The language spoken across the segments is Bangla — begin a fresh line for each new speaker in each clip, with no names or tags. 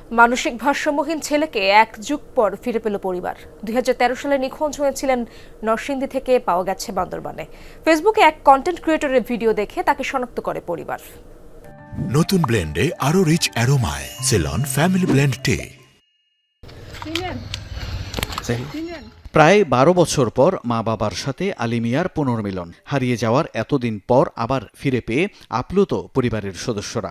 মানসিক ভারসাম্যহীন ছেলেকে এক যুগ পর ফিরে পেল পরিবার। 2013 সালে নিখোঁজ হয়েছিলেন নরসিংদী থেকে, পাওয়া গেছে বান্দরবানে। ফেসবুকে এক কন্টেন্ট ক্রিয়েটরের ভিডিও দেখে তাকে শনাক্ত করে পরিবার।
নতুন ব্লেন্ডে আরো রিচ অ্যারোমায় সেলন ফ্যামিলি ব্লেন্ড টে।
প্রায় 12 বছর পর মা বাবার সাথে আলিমিয়ার পুনর্মিলন। হারিয়ে যাওয়ার এতদিন পর আবার ফিরে পেয়ে আপ্লুত পরিবারের সদস্যরা।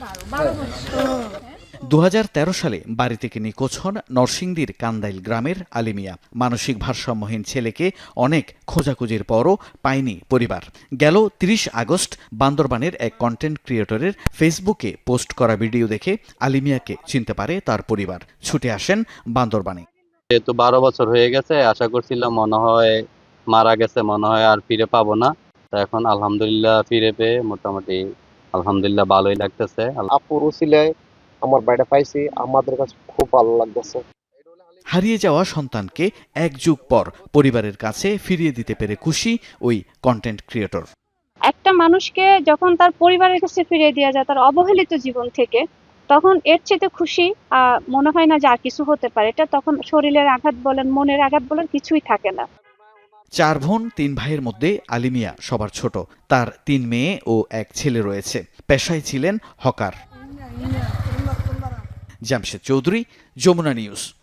2013 সালে বাড়ি থেকে নিখোঁজ হন নরসিংদীর কান্দাইল গ্রামের আলিমিয়া। মানসিক ভারসাম্যহীন ছেলেকে অনেক খোঁজাখুঁজির পরও পায়নি পরিবার। গেল 30 আগস্ট বান্দরবানের এক কন্টেন্ট ক্রিয়েটরের ফেসবুকে পোস্ট করা ভিডিও দেখে আলিমিয়াকে চিনতে পারে তার পরিবার। ছুটে আসেন বান্দরবানে।
যেহেতু 12 বছর হয়ে গেছে, আশা করছিলাম মনে হয় মারা গেছে, মনে হয় আর ফিরে পাবো না। তো এখন আলহামদুলিল্লাহ ফিরে পেয়ে মোটামুটি আলহামদুলিল্লাহ ভালোই লাগতেছে।
আপুর উসিলায় আমার বাড়িটা পাইছি, আমাদের কাছে খুব ভালো লাগতেছে।
হারিয়ে যাওয়া সন্তানকে এক যুগ পর পরিবারের কাছে ফিরিয়ে দিতে পেরে খুশি ওই কন্টেন্ট ক্রিয়েটর।
একটা মানুষকে যখন তার পরিবারের কাছে ফিরিয়ে দেওয়া যায় তার অবহেলিত জীবন থেকে, তখন এর চেয়ে খুশি মনে হয় না যে আর কিছু হতে পারে। এটা তখন শরীরের আঘাত বলেন, মনের আঘাত বলেন, কিছুই থাকে না।
4 বোন 3 ভাইয়ের মধ্যে আলিমিয়া সবার ছোট। তার 3 মেয়ে ও 1 ছেলে রয়েছে। পেশায় ছিলেন হকার। জামশেদ চৌধুরী, যমুনা নিউজ।